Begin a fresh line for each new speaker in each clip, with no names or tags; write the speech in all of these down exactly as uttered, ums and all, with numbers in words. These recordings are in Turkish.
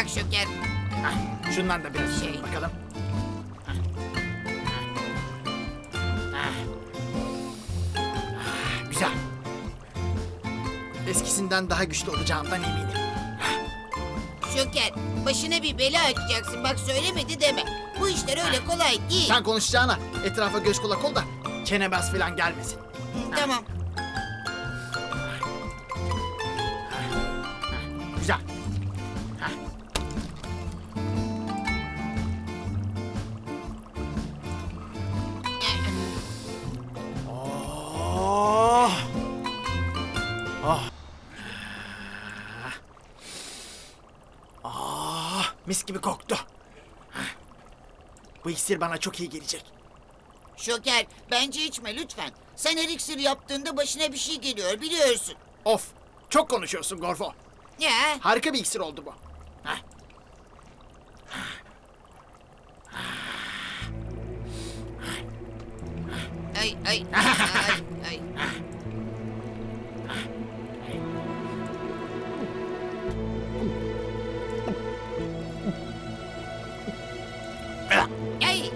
bak Şoker.
Hah, şundan da biraz
Şey.
bakalım. Hah. Hah. Ah, güzel. Eskisinden daha güçlü olacağımdan eminim.
Şoker, başına bir bela açacaksın. Bak söylemedi deme. Bu işler öyle kolay değil.
Sen konuşacağına etrafa göz kulak ol da çenebaz falan gelmesin.
Hı, tamam.
Güzel. Hah. Oh. Oh. Ah, mis gibi koktu. Hah. Bu iksir bana çok iyi gelecek.
Şoker, bence içme lütfen. Sen her iksir yaptığında başına bir şey geliyor biliyorsun.
Of, çok konuşuyorsun Gorfo.
Ya,
Harika bir iksir oldu bu. Hah.
ay ay ay ay. Ay.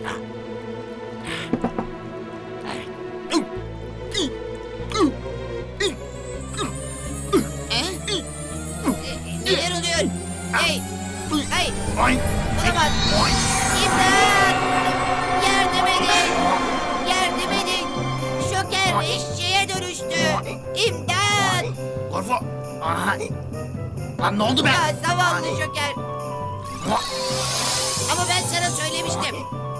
He? E, Neler oluyor? Hey, hey,
Ay.
olamaz. İmdat! Yardım edin! Yardım edin! Şoker eşeğe dönüştü. İmdat!
Gorfo. Aha. Lan ne oldu be?
Ya zavallı Şoker. Ama ben sana söylemiştim.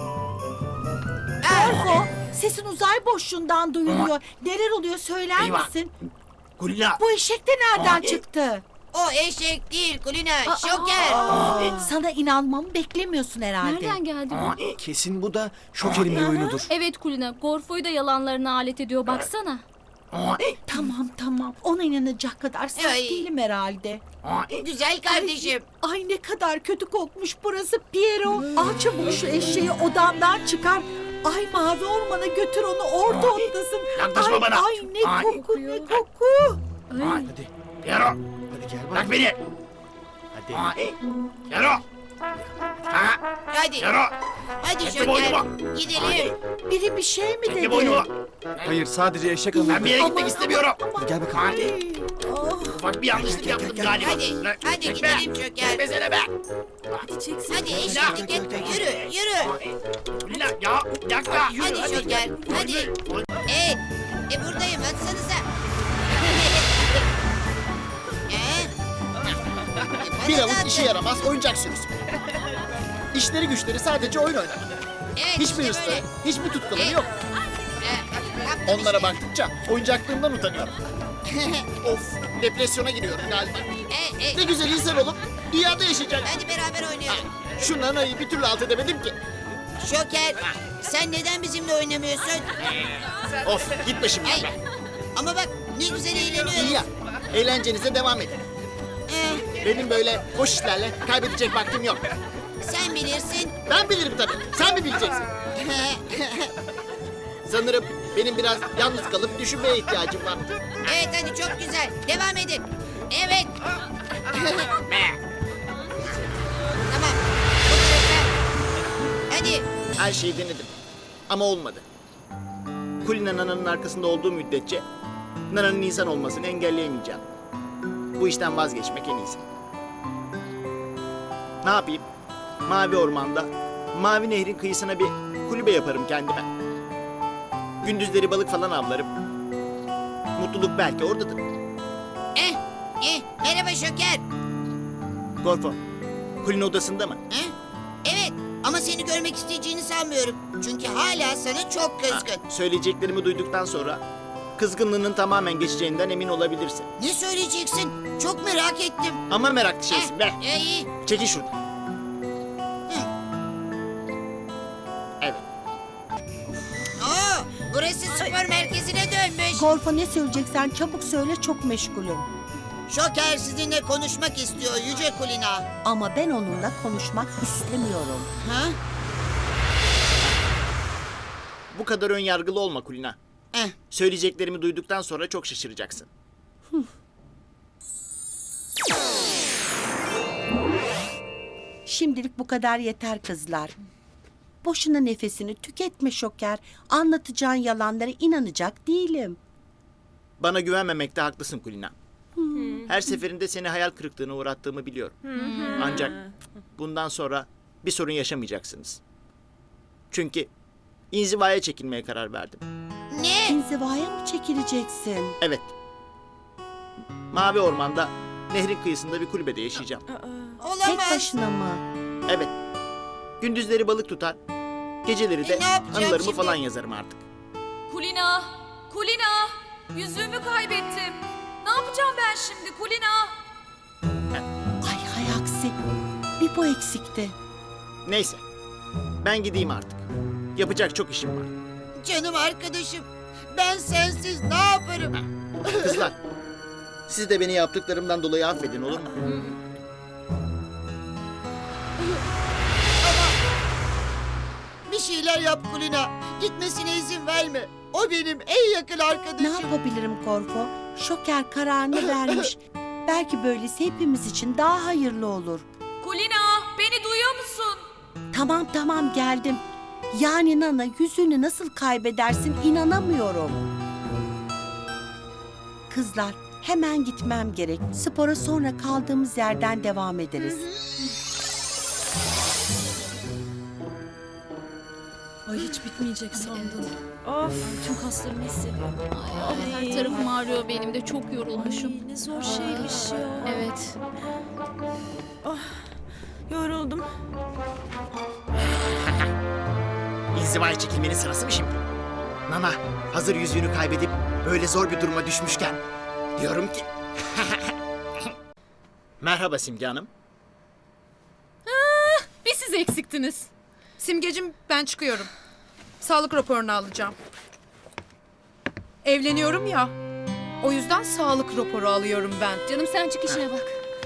Ah,
Gorfo, sesin uzay boşluğundan duyuluyor. Neler oluyor söyler
Eyvah.
misin?
Kulina.
Bu eşek de nereden çıktı?
o eşek değil Kulina, Şoker.
Sana inanmamı beklemiyorsun herhalde.
Nereden geldi bu?
Kesin bu da Şoker'in bir oyunudur.
Evet Kulina, Gorfo'yu da yalanlarına alet ediyor baksana.
Tamam tamam, ona inanacak kadar saf
Ay.
değilim herhalde.
Güzel kardeşim.
Ay ne kadar kötü kokmuş burası Piero. Al çabuk şu eşeği odamdan çıkar. Ay mavi ormana götür onu orada otlasın.
Yaklaşma
ay,
bana.
Ay ne
Ay.
koku ne koku.
Ay.
Hadi,
Piero.
hadi gel
Bırak
bak.
beni.
Hadi.
Piero. Ha,
Hadi,
Piero.
hadi
Çekme
Şoker.
boynumu.
Gidelim.
Biri bir şey mi
Çekme
dedi?
boynumu.
Hayır, sadece eşek
Ben
anladı.
bir yere gitmek
Aman,
istemiyorum.
aman,
Gel bakalım.
Hadi.
Oh.
Ufak bir yanlışlık yaptım galiba.
Hadi,
Lan,
hadi
çekme.
gidelim Şoker.
Çekmesene be.
Hadi eşeklik etme. Yürü, yürü.
Kulina ya yakla.
Hadi Şoker, hadi. Ee, e buradayım, atsanıza. Ee? E, bana
Bir
da
avuç
atın.
işe yaramaz oyuncak sürüsü. İşleri güçleri sadece oyun oynar.
Evet,
Hiçbir
işte
hırsları,
böyle.
hiçbir tutkuları
Ee,
yok.
Ee, yaptım
Onlara
işte.
baktıkça oyuncaklığımdan utanıyorum. Of, depresyona giriyorum galiba.
Ee, e,
Ne güzel insan olup dünyada yaşayacak.
hadi beraber oynayalım.
Şu nanayı bir türlü alt edemedim ki.
Şoker, sen neden bizimle oynamıyorsun?
Of, gitme şimdi.
Ay, ama bak ne güzel eğleniyoruz.
İyi ya, eğlencenize devam edin.
Ee,
Benim böyle boş işlerle kaybedecek vaktim yok.
sen bilirsin.
Ben bilirim tabii, sen mi bileceksin? Sanırım benim biraz yalnız kalıp düşünmeye ihtiyacım var.
Evet hadi çok güzel. Devam edin. Evet. Tamam. Bu tarafa. Hadi.
Her şeyi denedim ama olmadı. Kulina Nana'nın arkasında olduğu müddetçe Nana'nın insan olmasını engelleyemeyeceğim. Bu işten vazgeçmek en iyisi. Ne yapayım? Mavi ormanda, mavi nehrin kıyısına bir kulübe yaparım kendime. Gündüzleri balık falan avlarım. Mutluluk belki oradadır.
Eh, eh, merhaba Şoker.
Gorfo, Kulina odasında mı?
Eh? Evet ama seni görmek isteyeceğini sanmıyorum. Çünkü hala sana çok kızgın.
Söyleyeceklerimi duyduktan sonra kızgınlığının tamamen geçeceğinden emin olabilirsin.
Ne söyleyeceksin? Çok merak ettim.
Ama meraklı şeysin be.
Eh, iyi.
Çekil şuradan.
Hı.
Evet.
Oo, burası spor merkezine dönmüş.
Gorfo ne söyleyeceksen çabuk söyle, çok meşgulüm.
Şoker sizinle konuşmak istiyor Yüce Kulina.
Ama ben onunla konuşmak istemiyorum.
Ha?
Bu kadar ön yargılı olma Kulina.
Eh,
Söyleyeceklerimi duyduktan sonra çok şaşıracaksın.
Şimdilik bu kadar yeter kızlar. Boşuna nefesini tüketme Şoker. Anlatacağın yalanlara inanacak değilim.
Bana güvenmemekte haklısın Kulina. Her seferinde seni hayal kırıklığına uğrattığımı biliyorum. Ancak bundan sonra bir sorun yaşamayacaksınız. Çünkü inzivaya çekilmeye karar verdim.
Ne?
İnzivaya mı çekileceksin?
Evet. Mavi Orman'da nehrin kıyısında bir kulübede yaşayacağım.
Tek
Olamaz.
başına mı?
Evet. Gündüzleri balık tutar, geceleri de
E, ne yapacağım
anılarımı
şimdi?
falan yazarım artık.
Kulina! Kulina! Yüzüğümü kaybettim. Ne yapacağım ben şimdi Kulina?
Ay hay aksi. Bir bu eksikti.
Neyse. Ben gideyim artık. Yapacak çok işim var.
Canım arkadaşım. Ben sensiz ne yaparım?
Kızlar, siz de beni yaptıklarımdan dolayı affedin olur mu?
Bir şeyler yap Kulina. Gitmesine izin verme. O benim en yakın
Ne
arkadaşım.
yapabilirim Korfo? Şoker kararını vermiş. Belki böylesi hepimiz için daha hayırlı olur.
Kulina! Beni duyuyor musun?
Tamam tamam geldim. Yani Nana yüzünü nasıl kaybedersin inanamıyorum. Kızlar hemen gitmem gerek. Spora sonra kaldığımız yerden devam ederiz.
Ay hiç bitmeyecek sandım. Of tüm kaslarımı hissediyorum.
Ay, her tarafım ağrıyor benim de çok yorulmuşum.
Ne zor şeymiş ya.
Evet.
Yoruldum.
İnzivaya çekilmenin sırası mı şimdi? Nana, hazır yüzüğünü kaybedip böyle zor bir duruma düşmüşken diyorum ki... Merhaba Simge Hanım.
Bir siz eksiktiniz.
Simgecim ben çıkıyorum. Sağlık raporunu alacağım. Evleniyorum ya. O yüzden sağlık raporu alıyorum ben.
Canım sen çık işine bak.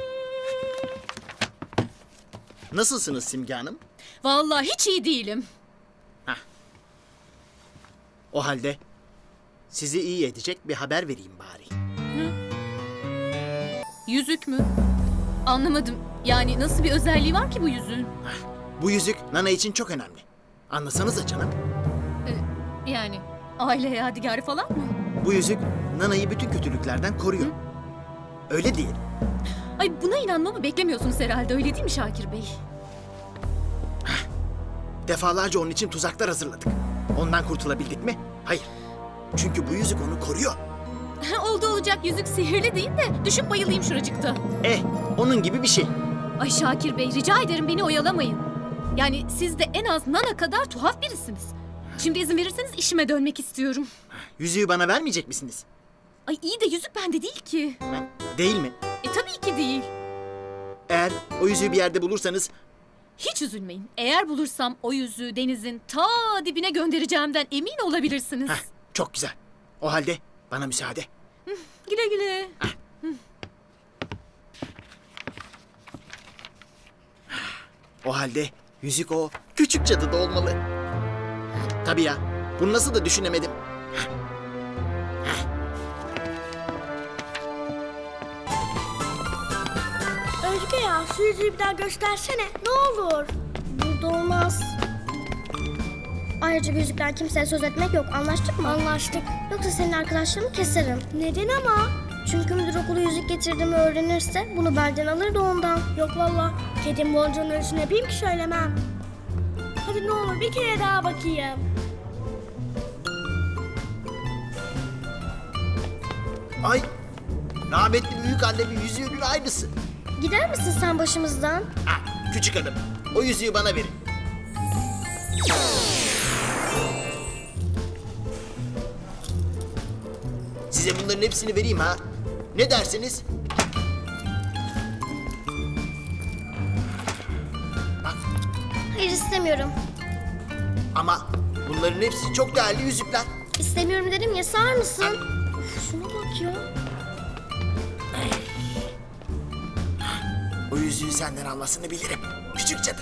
Nasılsınız Simge Hanım?
Vallahi hiç iyi değilim.
O halde sizi iyi edecek bir haber vereyim bari.
Yüzük mü? Anlamadım. Yani nasıl bir özelliği var ki bu yüzüğün?
Bu yüzük Nana için çok önemli. Anlasanıza canım.
Yani aile yadigarı falan mı?
Bu yüzük Nana'yı bütün kötülüklerden koruyor. Öyle değil.
Ay buna inanmamı beklemiyorsunuz herhalde öyle değil mi Şakir Bey?
Defalarca onun için tuzaklar hazırladık. Ondan kurtulabildik mi? Hayır. Çünkü bu yüzük onu koruyor.
Oldu olacak yüzük sihirli değil de düşüp bayılayım şuracıkta.
Eh, onun gibi bir şey.
Ay Şakir Bey rica ederim beni oyalamayın. Yani siz de en az Nana kadar tuhaf birisiniz. Şimdi izin verirseniz işime dönmek istiyorum.
Yüzüğü bana vermeyecek misiniz?
Ay iyi de yüzük bende değil ki.
Değil mi?
E tabii ki değil.
Eğer o yüzüğü bir yerde bulursanız
Hiç üzülmeyin. Eğer bulursam o yüzüğü denizin ta dibine göndereceğimden emin olabilirsiniz.
heh, çok güzel. O halde bana müsaade.
Güle güle.
O halde yüzük o küçük cadıda olmalı. Tabii ya. Bunu nasıl da düşünemedim.
Özge ya şu yüzüğü bir daha göstersene ne olur. Burada olmaz. Ayrıca bu yüzükten kimseye söz etmek yok. Anlaştık mı? Anlaştık. Yoksa senin arkadaşlarını keserim. Neden ama? Çünkü müdür okulu yüzük getirdiğimi öğrenirse bunu benden alır da ondan. Yok valla. Kedim bolcanın ölçüsünü yapayım ki söylemem. Hadi ne olur bir kere daha bakayım.
Ay, rahmetli büyük annemin yüzüğünün aynısı.
Gider misin sen başımızdan?
Ha, küçük hanım, o yüzüğü bana verin. Size bunların hepsini vereyim ha. Ne dersiniz? Bak,
Hayır istemiyorum.
ama bunların hepsi çok değerli yüzükler.
İstemiyorum dedim ya sağır mısın? Şuna bak ya.
O yüzüğü senden almasını bilirim. Küçük cadı.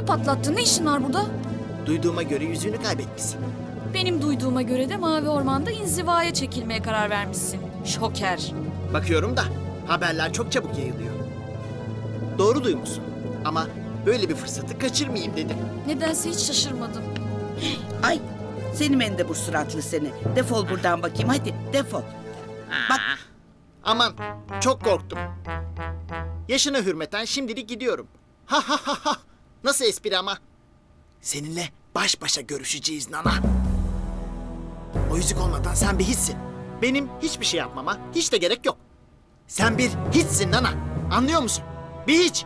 ödümü patlattın. Ne işin var burada?
Duyduğuma göre yüzüğünü kaybetmişsin.
Benim duyduğuma göre de Mavi Orman'da inzivaya çekilmeye karar vermişsin. Şoker.
Bakıyorum da haberler çok çabuk yayılıyor. Doğru duymuşsun. Ama böyle bir fırsatı kaçırmayayım dedim.
Nedense hiç şaşırmadım.
Ay seni mendebur suratlı seni. Defol buradan bakayım hadi defol. Bak
Aman çok korktum. Yaşına hürmeten şimdilik gidiyorum. Ha ha ha ha. Nasıl espri ama? Seninle baş başa görüşeceğiz Nana. O yüzük olmadan sen bir hiçsin. Benim hiçbir şey yapmama hiç de gerek yok. Sen bir hiçsin Nana. Anlıyor musun? Bir hiç.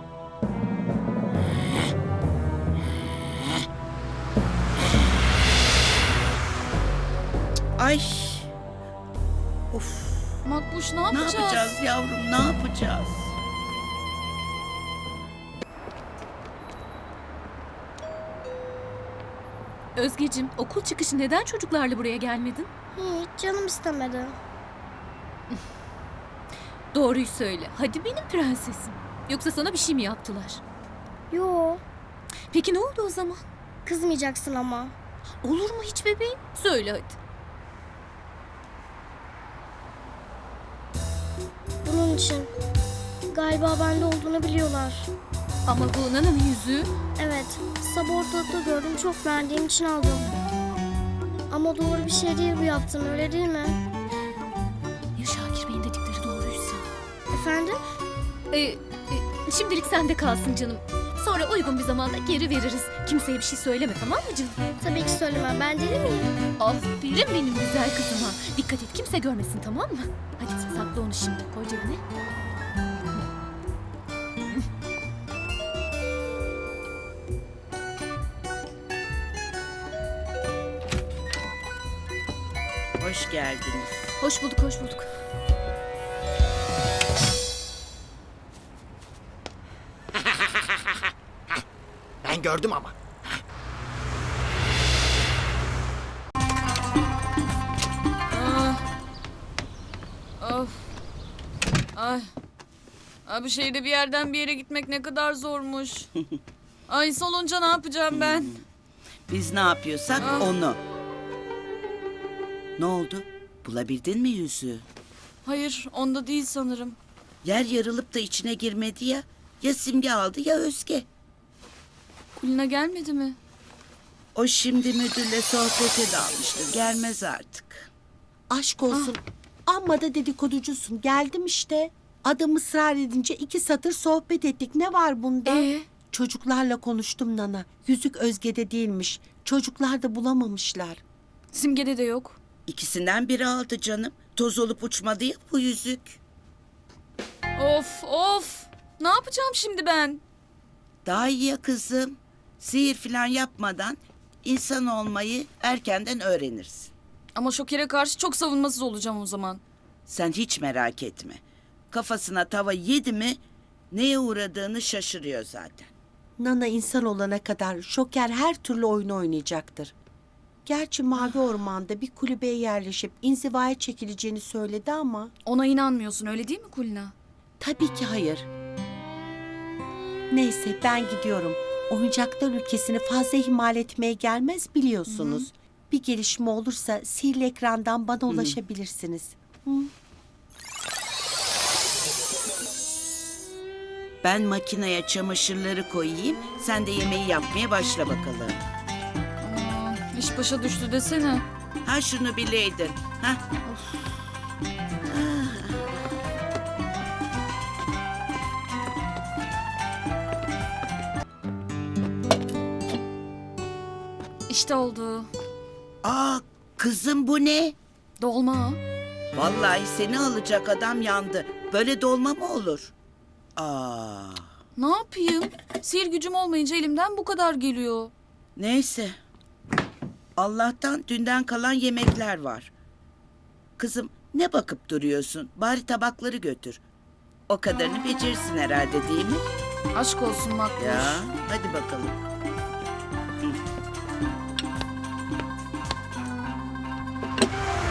ay. Of
Makbuş ne
ne
yapacağız?
yapacağız yavrum ne yapacağız?
Özgeciğim, okul çıkışı neden çocuklarla buraya gelmedin?
Hiç canım istemedi.
Doğruyu söyle. Hadi benim prensesim. Yoksa sana bir şey mi yaptılar?
Yo,
Peki ne oldu o zaman?
kızmayacaksın ama.
Olur mu hiç bebeğim? Söyle hadi.
Bunun için. Galiba bende olduğunu biliyorlar.
Ama bu Nana'nın yüzüğü.
Evet, sabah ortalıkta gördüm, çok beğendiğim için aldım. Ama doğru bir şey değil bu yaptığın, öyle değil mi?
Ya Şakir Bey'in dedikleri doğruysa?
Efendim?
Ee, e, şimdilik sende kalsın canım. Sonra uygun bir zamanda geri veririz. Kimseye bir şey söyleme, tamam mı canım?
Tabii ki söylemem, ben deli miyim?
Aferin benim güzel kızıma. Dikkat et, kimse görmesin, tamam mı? Hadi sakla onu şimdi, koy cebine.
Hoş geldiniz.
Hoş bulduk, hoş bulduk.
Ben gördüm ama.
Of. Ay. Abi şehirde bir yerden bir yere gitmek ne kadar zormuş. Ay solunca ne yapacağım ben?
Biz ne yapıyorsak
Ah.
onu. Ne oldu? Bulabildin mi yüzüğü?
Hayır onda değil sanırım.
Yer yarılıp da içine girmedi ya. Ya Simge aldı ya Özge.
Kulina gelmedi mi?
O şimdi müdürle sohbete dalmıştır. Gelmez artık.
Aşk olsun. Amma da dedikoducusun. Geldim işte. Adam ısrar edince iki satır sohbet ettik. Ne var bunda?
Ee?
Çocuklarla konuştum Nana. Yüzük Özge'de değilmiş. Çocuklar da bulamamışlar.
Simge'de de yok.
İkisinden biri aldı canım. Toz olup uçmadı ya bu yüzük.
Of of. Ne yapacağım şimdi ben?
Daha iyi ya kızım. Sihir falan yapmadan insan olmayı erkenden öğrenirsin.
Ama Şoker'e karşı çok savunmasız olacağım o zaman.
Sen hiç merak etme. Kafasına tava yedi mi neye uğradığını şaşırıyor zaten.
Nana insan olana kadar Şoker her türlü oyunu oynayacaktır. Gerçi Mavi Orman'da bir kulübeye yerleşip inzivaya çekileceğini söyledi ama...
Ona inanmıyorsun öyle değil mi Kulina?
Tabii ki hayır. Neyse ben gidiyorum. Oyuncaklar ülkesini fazla ihmal etmeye gelmez biliyorsunuz. Bir gelişme olursa sihirli ekrandan bana ulaşabilirsiniz. Hı?
Ben makineye çamaşırları koyayım. Sen de yemeği yapmaya başla bakalım.
Aa, iş başa düştü desene.
Ha şunu bileydin. Ha?
İşte oldu.
Aa kızım bu ne?
Dolma.
Vallahi seni alacak adam yandı. Böyle dolma mı olur? Aa.
Ne yapayım? Sihir gücüm olmayınca elimden bu kadar geliyor.
Neyse. Allah'tan dünden kalan yemekler var. Kızım ne bakıp duruyorsun? Bari tabakları götür. O kadarını becerirsin herhalde değil mi?
Aşk olsun Makbuş.
Ya hadi bakalım.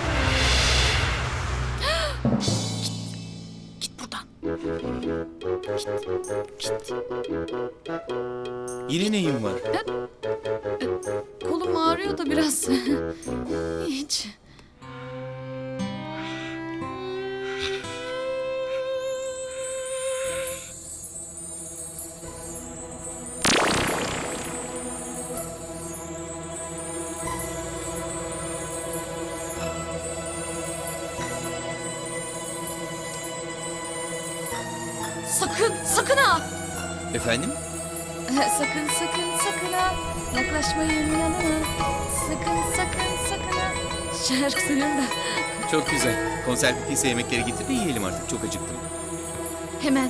Git buradan.
Yine neyin var?
Kolum ağrıyor da biraz. Hiç.
Sakın, sakın ha!
Efendim?
Sakın sakın sakın ha. Yaklaşmayın yanına. Sakın sakın sakın ha. Şarkı söylüyorum da.
Çok güzel. Konser bittiyse yemekleri getir de yiyelim artık. Çok acıktım.
Hemen.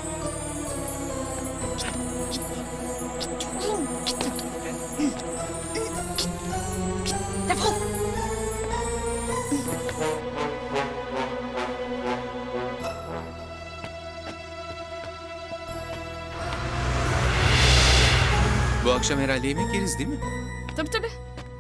Defol!
Bu akşam herhalde yemek yeriz değil mi?
Tabii tabii.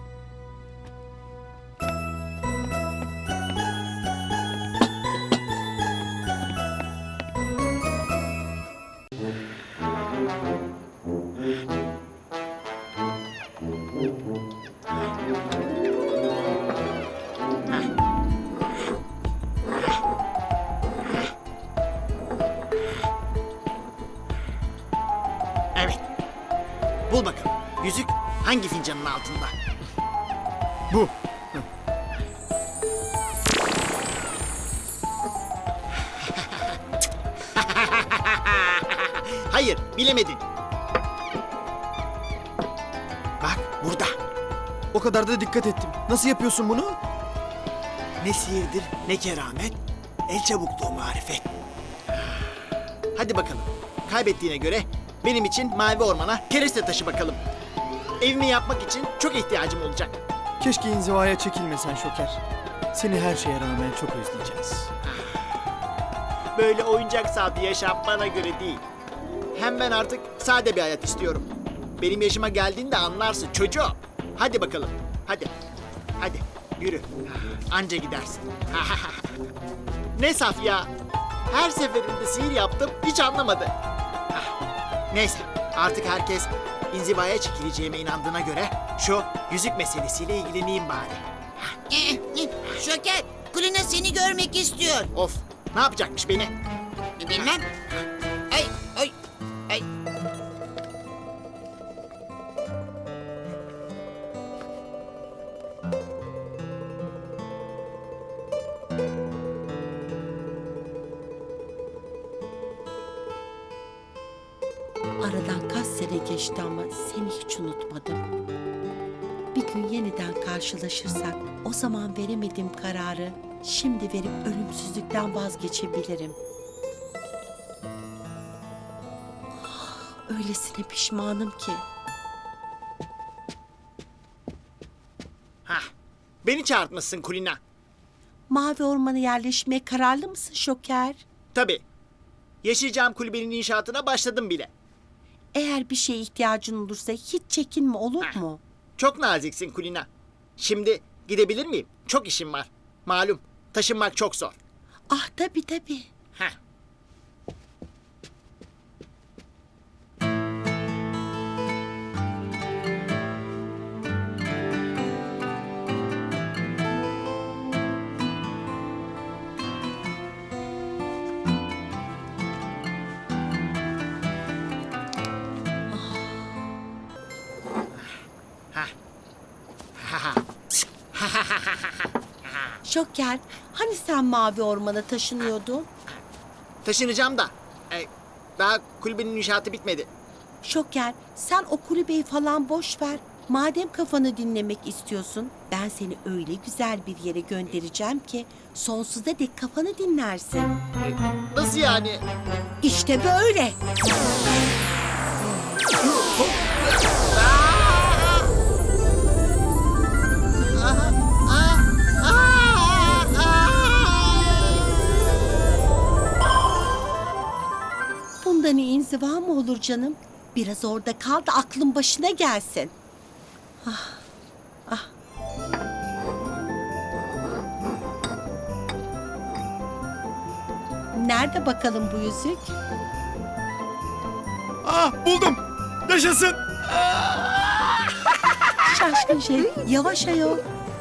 Evet. Bul bakalım. Yüzük hangi fincanın altında?
Bu.
Hayır, bilemedin. Bak burada.
O kadar da dikkat ettim. Nasıl yapıyorsun bunu?
Ne sihirdir, ne keramet, el çabukluğu marifet. Hadi bakalım. Kaybettiğine göre benim için mavi ormana kereste taşı bakalım. Evimi yapmak için çok ihtiyacım olacak.
Keşke inzivaya çekilmesen Şoker. Seni her şeye rağmen çok özleyeceğiz.
Böyle oyuncak saati yaşam bana göre değil. Hem ben artık sade bir hayat istiyorum. Benim yaşıma geldiğinde anlarsın çocuğum. Hadi bakalım. Hadi. Hadi yürü. Anca gidersin. Ne saf ya. Her seferinde sihir yaptım hiç anlamadı. Neyse artık herkes inzivaya çekileceğime inandığına göre şu yüzük meselesiyle ilgileneyim bari.
Eh, eh, Şoker, Kulina seni görmek istiyor.
Of ne yapacakmış beni?
Bilmem. Ay, ay, ay.
Aradan kaç sene geçti ama seni hiç unutmadım. Bir gün yeniden karşılaşırsak o zaman veremediğim kararı şimdi verip ölümsüzlükten vazgeçebilirim. Ah, öylesine pişmanım ki.
Hah, beni çağırtmışsın Kulina.
Mavi Orman'a yerleşmeye kararlı mısın Şoker?
Tabii. Yaşayacağım kulübenin inşaatına başladım bile.
Eğer bir şeye ihtiyacın olursa hiç çekinme, olur mu?
Çok naziksin Kulina. Şimdi gidebilir miyim? Çok işim var. Malum taşınmak çok zor.
Ah tabii tabii.
Heh.
Şoker, hani sen Mavi Orman'a taşınıyordun?
Taşınacağım da. e, daha kulübenin inşaatı bitmedi.
Şoker, sen o kulübeyi falan boş ver. Madem kafanı dinlemek istiyorsun, ben seni öyle güzel bir yere göndereceğim ki sonsuza dek kafanı dinlersin.
Nasıl yani?
İşte böyle. Bundan iyi inziva mı olur canım? Biraz orada kal da aklın başına gelsin. Ah, ah. Nerede bakalım bu yüzük?
Ah buldum. Yaşasın.
Şaşkın şey, yavaş ayol.